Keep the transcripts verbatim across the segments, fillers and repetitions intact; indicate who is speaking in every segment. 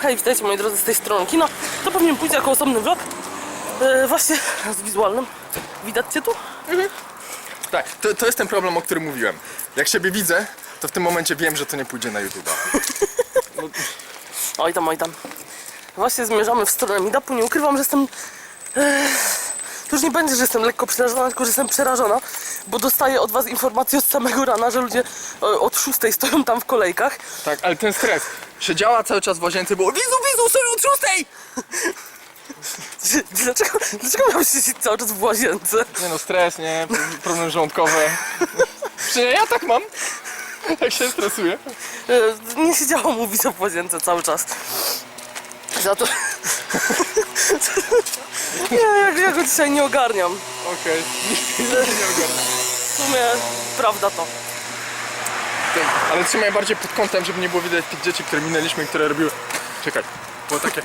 Speaker 1: Hej, witajcie moi drodzy z tej strony kina. To pewnie pójdzie jako osobny vlog. E, właśnie z wizualnym. Widać cię tu?
Speaker 2: Mhm. Tak, to, to jest ten problem, o którym mówiłem. Jak siebie widzę, to w tym momencie wiem, że to nie pójdzie na YouTube'a. No.
Speaker 1: Oj tam, oj tam. Właśnie zmierzamy w stronę meetupu. Nie ukrywam, że jestem... E, to już nie będzie, że jestem lekko przerażona, tylko że jestem przerażona, bo dostaję od was informacje od samego rana, że ludzie e, od szóstej stoją tam w kolejkach.
Speaker 2: Tak, ale ten stres. Siedziała cały czas w łazience, było wizu, wizu, stoją od szóstej!
Speaker 1: Dlaczego, dlaczego miałeś siedzieć cały czas w łazience?
Speaker 2: Nie no, stres, nie? Problem żołądkowy. Przecież ja tak mam, jak się stresuję.
Speaker 1: E, nie siedziało mu wizo w łazience cały czas. Za to... nie, ja, ja go dzisiaj nie ogarniam.
Speaker 2: Okej, okay. Nie ogarnę.
Speaker 1: W sumie prawda to.
Speaker 2: Tak, ale trzymaj bardziej pod kątem, żeby nie było widać tych dzieci, które minęliśmy, które robiły... Czekaj, było takie...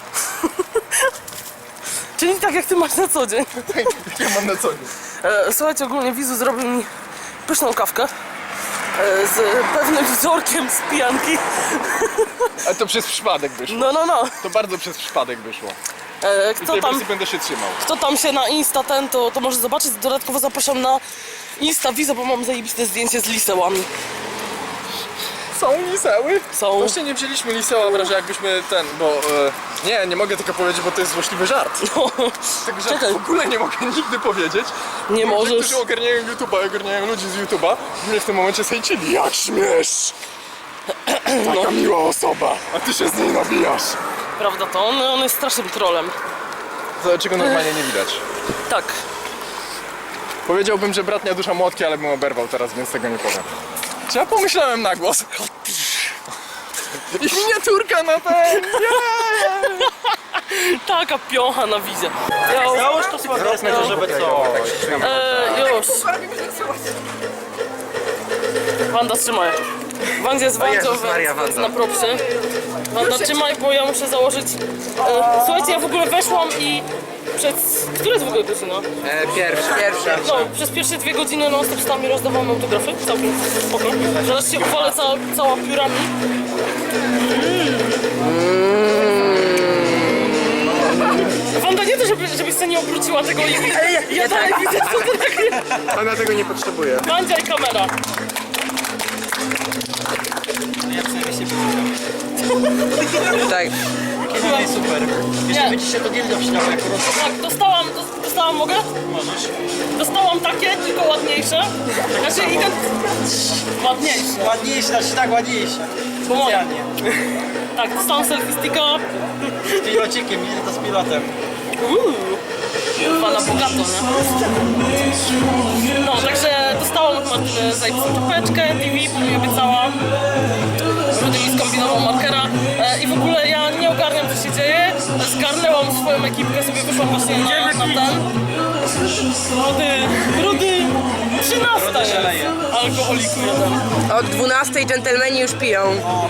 Speaker 1: Czyli tak jak ty masz na co dzień.
Speaker 2: Tak, ja mam na co dzień.
Speaker 1: E, słuchajcie, ogólnie Wizu zrobił mi pyszną kawkę. E, z pewnym wzorkiem z pijanki.
Speaker 2: Ale to przez przypadek wyszło.
Speaker 1: No, no, no.
Speaker 2: To bardzo przez przypadek wyszło.
Speaker 1: E,
Speaker 2: I
Speaker 1: kto,
Speaker 2: tej
Speaker 1: tam,
Speaker 2: wersji będę się trzymał.
Speaker 1: kto tam się na Insta ten, to, to może zobaczyć. Dodatkowo zapraszam na Insta Wizo, bo mam zajebiste zdjęcie z lisełami.
Speaker 2: Są liseły?
Speaker 1: Są.
Speaker 2: Właśnie nie wzięliśmy liseła w razie jakbyśmy ten, bo... E, nie, nie mogę tego powiedzieć, bo to jest złośliwy żart.
Speaker 1: No.
Speaker 2: Tego
Speaker 1: Czekaj.
Speaker 2: żartu w ogóle nie mogę nigdy powiedzieć.
Speaker 1: Nie
Speaker 2: Ludzie,
Speaker 1: możesz.
Speaker 2: którzy ogarniają YouTube'a, ogarniają ludzi z YouTube'a, mnie w tym momencie zhejcili. Jak śmiesz! Taka
Speaker 1: No.
Speaker 2: miła osoba, a ty się z niej nabijasz.
Speaker 1: Prawda to, on, on jest strasznym trolem.
Speaker 2: To czego normalnie nie widać.
Speaker 1: Tak.
Speaker 2: Powiedziałbym, że bratnia dusza młotki, ale bym oberwał teraz, więc tego nie powiem. Czy ja pomyślałem na głos? I miniaturka na ten!
Speaker 1: Taka piocha na wizie. Ja,
Speaker 3: Załóż to sławetne, to żeby co?
Speaker 1: e, już. Wanda, trzymaj. Wanda jest Wandzią,
Speaker 3: Jezus Maria,
Speaker 1: więc, więc
Speaker 3: Wanda.
Speaker 1: na propsie. Wanda, trzymaj, bo ja muszę założyć... E, słuchajcie, ja w ogóle weszłam i przez... Która jest w ogóle godzina?
Speaker 3: E, pierwsza. Pierwsza.
Speaker 1: No, przez pierwsze dwie godziny non stop stałam i rozdawałam autografy. Całkiem spoko. Zaraz się uwalę cała, cała piórami. Wanda, nie to, żeby, żebyś sobie nie obróciła tego i ja dalej widzę, co to takie.
Speaker 2: Ona tego nie potrzebuje.
Speaker 1: Wandzia i kamera.
Speaker 3: Ja przynajmniej się Tak. Kiedy jest super. Jeszcze
Speaker 1: Nie.
Speaker 3: będzie się to gilda przydało jako roz...
Speaker 1: Tak, dostałam, dos- dostałam, mogę?
Speaker 3: Możesz.
Speaker 1: Dostałam takie, tylko ładniejsze. Znaczy, i ten... Ładniejsze.
Speaker 3: Ładniejsze, znaczy tak ładniejsze.
Speaker 1: Bo moje.
Speaker 3: Specjalnie.
Speaker 1: Tak, dostałam selfie sticka.
Speaker 3: Z pilocikiem, nie to z pilotem.
Speaker 1: Uuu. Pana bogato, nie? No, także dostałam od Martyny zajebistą czapeczkę, T V, bo mi obiecała. Rudy mi skombinował markera. E, I w ogóle ja nie ogarniam, co się dzieje. Zgarnęłam swoją ekipkę, sobie wyszłam właśnie na, na ten. Rudy, Rudy, trzynasta jest. Alkoholiku jeden.
Speaker 4: Od dwunastej dżentelmeni już piją.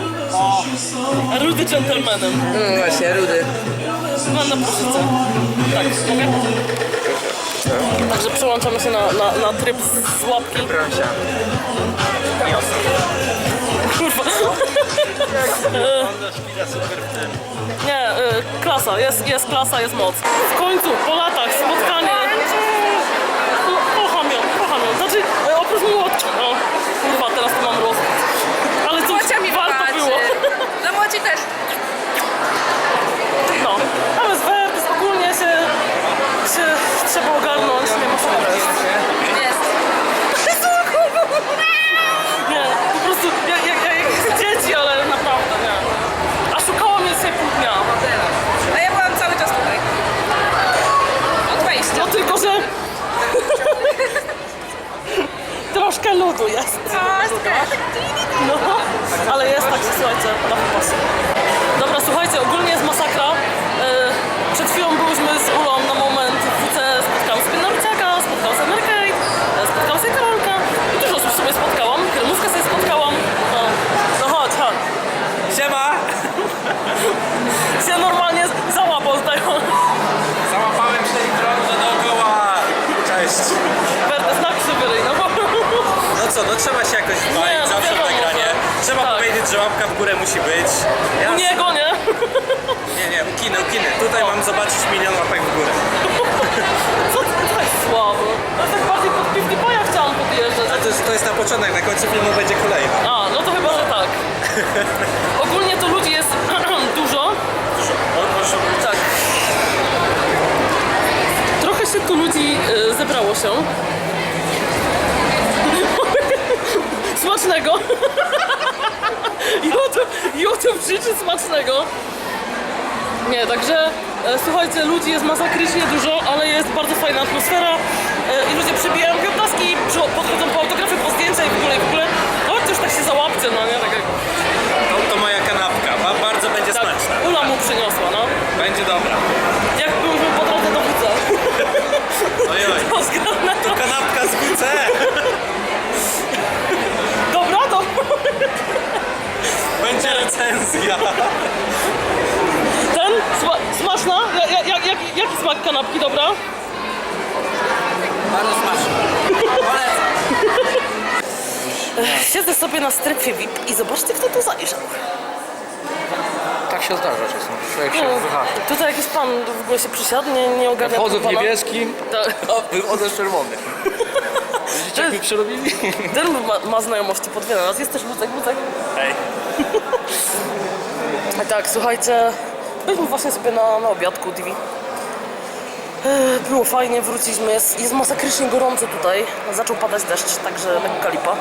Speaker 1: Rudy dżentelmenem.
Speaker 4: No właśnie, rudy.
Speaker 1: Mam na poszyczce. Tak, mogę? Także przełączamy się na, na, na tryb z, z łapki.
Speaker 3: Proszę.
Speaker 1: Kurwa.
Speaker 3: Wanda śpiewa super w tym.
Speaker 1: Nie, y, klasa, jest, jest klasa, jest moc. W końcu, po latach, spotkanie. No, kocham ją, kocham ją. Znaczy, y, oprócz młotki, no. Kurwa, teraz to mam rozwód. Ale co, warto było.
Speaker 4: No młodzi też.
Speaker 1: No, ale z Wertys ogólnie się, się trzeba ogarnąć, nie ma co jest.
Speaker 4: Jest.
Speaker 1: Nie, po prostu, ja, ja, ja, jak dzieci, ale naprawdę, nie. A szukała mnie dzisiaj pół dnia.
Speaker 4: A ja byłam cały czas tutaj. Od wejścia.
Speaker 1: No tylko, że... Troszkę ludu jest. No, ale jest tak, że słuchajcie, na wypas. Dobra, słuchajcie, ogólnie jest masakra. Yy, przed chwilą byliśmy z Ulą na moment w W C, spotkałam sobie Norciaka, spotkałam sobie Merkate, spotkałam sobie Karolka. I dużo osób sobie spotkałam, kremówkę sobie spotkałam. No, no chodź, chodź.
Speaker 3: Siema!
Speaker 1: Się normalnie załapał tutaj.
Speaker 3: Załapałem cztery krąże dookoła. Cześć.
Speaker 1: Wertes, napisz sobie ryj, no bo...
Speaker 3: No co, co, no trzeba się jakoś
Speaker 1: Nie,
Speaker 3: walić
Speaker 1: no
Speaker 3: zawsze w
Speaker 1: wiadomo,
Speaker 3: nagranie.
Speaker 1: że-
Speaker 3: Trzeba
Speaker 1: tak.
Speaker 3: powiedzieć, że łapka w górę musi być.
Speaker 1: U
Speaker 3: Jasne.
Speaker 1: niego, nie?
Speaker 3: Nie, nie, u kiny, u kiny. Tutaj mam zobaczyć milion łapek w górę.
Speaker 1: Co ty tak słabo? Ja tak bardziej pod PewDiePie'a chciałam podjeżdżać.
Speaker 3: A to jest, to jest na początek, na końcu filmu będzie kolejna.
Speaker 1: A, no to chyba, że tak. Ogólnie to ludzi jest dużo.
Speaker 3: O, proszę.
Speaker 1: Tak. Trochę się tu ludzi e, zebrało się. Smacznego. YouTube, YouTube życzy smacznego. Nie, także e, słuchajcie, ludzi jest masakrycznie dużo, ale jest bardzo fajna atmosfera e, i ludzie przybijają kiełbaski, przy- podchodzą po autografy, po zdjęcia i w ogóle, i w ogóle. Chodź już tak się załapcie, no nie? Tak jak,
Speaker 3: To, to moja kanapka, Ba- bardzo będzie
Speaker 1: tak,
Speaker 3: smaczna.
Speaker 1: Ula mu przyniosła, no.
Speaker 3: Będzie dobra.
Speaker 1: Jak byliśmy po drodze do W C.
Speaker 3: Oj, oj.
Speaker 1: To zgadnę.
Speaker 3: To kanapka z W C.
Speaker 1: Dobra, to.
Speaker 3: Będzie recenzja.
Speaker 1: Ten? Sma smaczna? Ja, ja, jak, jak, jaki smak kanapki, dobra?
Speaker 3: Bardzo smaczna. Polecam.
Speaker 1: Ech, Siedzę sobie na strefie V I P i zobaczcie, kto tu zajrzał.
Speaker 2: Tak się zdarza czasem. Człowiek się
Speaker 1: No,
Speaker 2: wyhaczy.
Speaker 1: tutaj jakiś pan w ogóle się przysiadł, nie, nie ogarnia
Speaker 2: Wchodzę w
Speaker 1: tego pana.
Speaker 2: niebieskim,
Speaker 1: Tak.
Speaker 2: a wychodzę z czerwonym. Widzicie, jak mi przerobili?
Speaker 1: Ten ma, ma znajomości pod wiele raz. Jest też Lucek, Lucek.
Speaker 3: Hej.
Speaker 1: A tak, słuchajcie, byliśmy właśnie sobie na, na obiadku D V. Ech, Było fajnie, wróciliśmy. Jest, jest masakrycznie gorąco tutaj. Zaczął padać deszcz, także lekka lipa.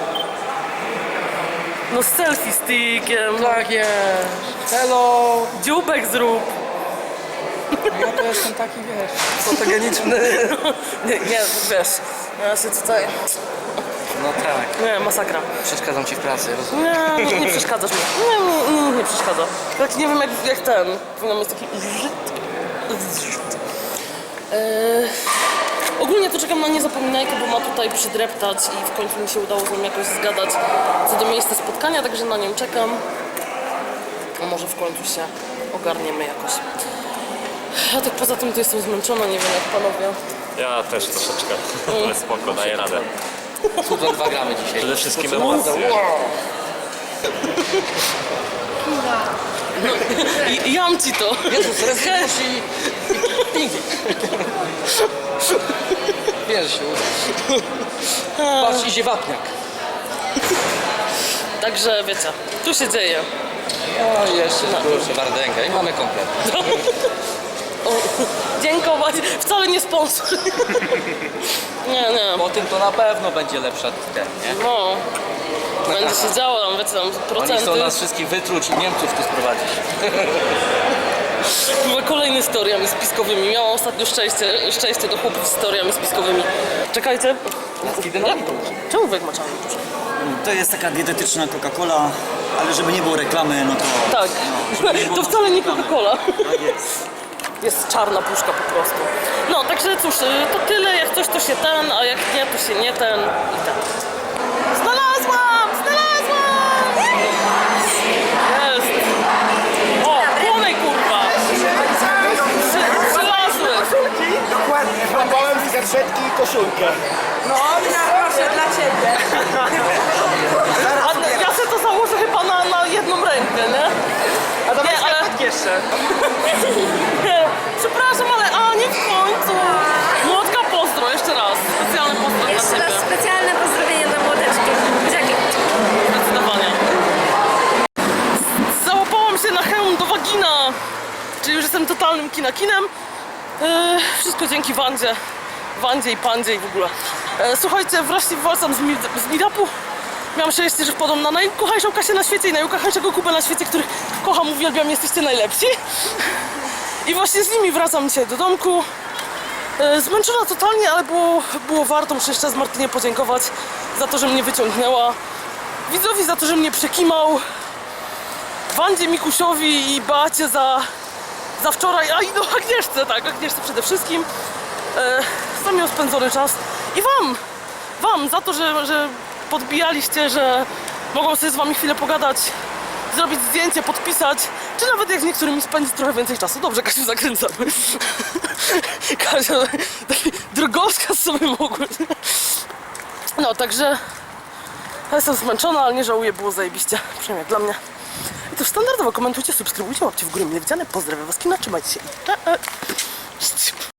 Speaker 1: No z selfie stickiem.
Speaker 2: Tak jest. Hello.
Speaker 1: Dziubek zrób.
Speaker 2: Ja to jestem taki, wiesz, fotogeniczny.
Speaker 1: Nie, nie, wiesz, ja się tutaj...
Speaker 2: No tak.
Speaker 1: Nie, masakra.
Speaker 2: Przeszkadzam ci w pracy, rozumiem.
Speaker 1: Nie, nie, nie przeszkadzasz mi. Nie, nie, nie, nie przeszkadza. Tak nie wiem jak, jak ten. Powinien mieć taki... Eee, ogólnie to czekam na niezapominajkę, bo ma tutaj przydreptać i w końcu mi się udało z nim jakoś zgadać co do miejsca spotkania, także na nim czekam. A może w końcu się ogarniemy jakoś. A tak poza tym to jestem zmęczona, nie wiem jak panowie.
Speaker 5: Ja też troszeczkę, ale spoko, daję radę.
Speaker 2: Cudze dwa gramy dzisiaj.
Speaker 5: Przede wszystkim emocje.
Speaker 1: I, jam ci to.
Speaker 2: Jezus, rezygnasz i... i pingi. Wiesz, się uda. Patrz, idzie wapniak.
Speaker 1: Także wiecie, tu się dzieje.
Speaker 2: O, jeszcze na proszę, Wardęga i mamy komplet.
Speaker 1: O, dziękować. Wcale nie sponsor. Nie, nie.
Speaker 2: Po tym to na pewno będzie lepsza ten, nie?
Speaker 1: No. Będzie się działo tam, wiecie, tam
Speaker 2: Oni
Speaker 1: procenty.
Speaker 2: chcą nas wszystkich wytruć i Niemców tu sprowadzić.
Speaker 1: Były kolejne z teoriami spiskowymi. Miałam ostatnio szczęście, szczęście do chłopów z teoriami spiskowymi. Czekajcie. Jak? Czemu wy maczamy?
Speaker 6: To jest taka dietetyczna Coca-Cola, ale żeby nie było reklamy, no to...
Speaker 1: Tak.
Speaker 6: żeby nie było
Speaker 1: To wcale nie
Speaker 6: reklamy.
Speaker 1: Coca-Cola.
Speaker 6: Tak jest.
Speaker 1: Jest czarna puszka po prostu. No, także cóż, y, to tyle. Jak coś to się ten, a jak nie, to się nie ten i ten. Znalazłam! Znalazłam! Jest! O, płonej kurwa! Przy- Przylazły!
Speaker 7: Dokładnie, złapałem z gazetki i koszulkę.
Speaker 4: No, proszę, dla ciebie.
Speaker 1: A ja sobie to założę chyba na, na jedną rękę, nie?
Speaker 7: A dawaj
Speaker 1: Nie, ale-
Speaker 7: skarpetki jeszcze.
Speaker 1: Nie, przepraszam, ale a nie w końcu! Młotka pozdro, jeszcze raz. Specjalny pozdro dla
Speaker 8: Jeszcze raz
Speaker 1: ciebie.
Speaker 8: specjalne pozdrowienie dla młodeczki. Dzięki.
Speaker 1: Zdecydowanie. Załapałam się na hełm do wagina. Czyli już jestem totalnym kinakinem. Eee, wszystko dzięki Wandzie. Wandzie i Pandzie i w ogóle. Eee, słuchajcie, wreszcie wracam z, mi z meetupu. Miałam szczęście, że wpadłam na najukochańszą Kasię na świecie i najukochańszego Kubę na świecie, których kocham, uwielbiam, jesteście najlepsi. I właśnie z nimi wracam dzisiaj do domku. E, Zmęczona totalnie, ale było, było warto. Muszę jeszcze raz Martynie podziękować za to, że mnie wyciągnęła. Widzowi za to, że mnie przekimał. Wandzie, Mikusiowi i Beacie za, za wczoraj. A i no Agnieszce, tak, Agnieszce przede wszystkim. E, za miło spędzony czas. I wam, wam za to, że, że podbijaliście, że mogą sobie z wami chwilę pogadać, zrobić zdjęcie, podpisać, czy nawet jak z niektórymi spędzić trochę więcej czasu. Dobrze, Kasiu, zakręcamy. Kasia, taki drogowskaz sobie mogły. No, także Ja jestem zmęczona, ale nie żałuję, było zajebiście. Przynajmniej jak dla mnie. I to standardowo komentujcie, subskrybujcie, łapcie w górę mile widziane. Pozdrawiam was, kina, trzymajcie się. Cześć.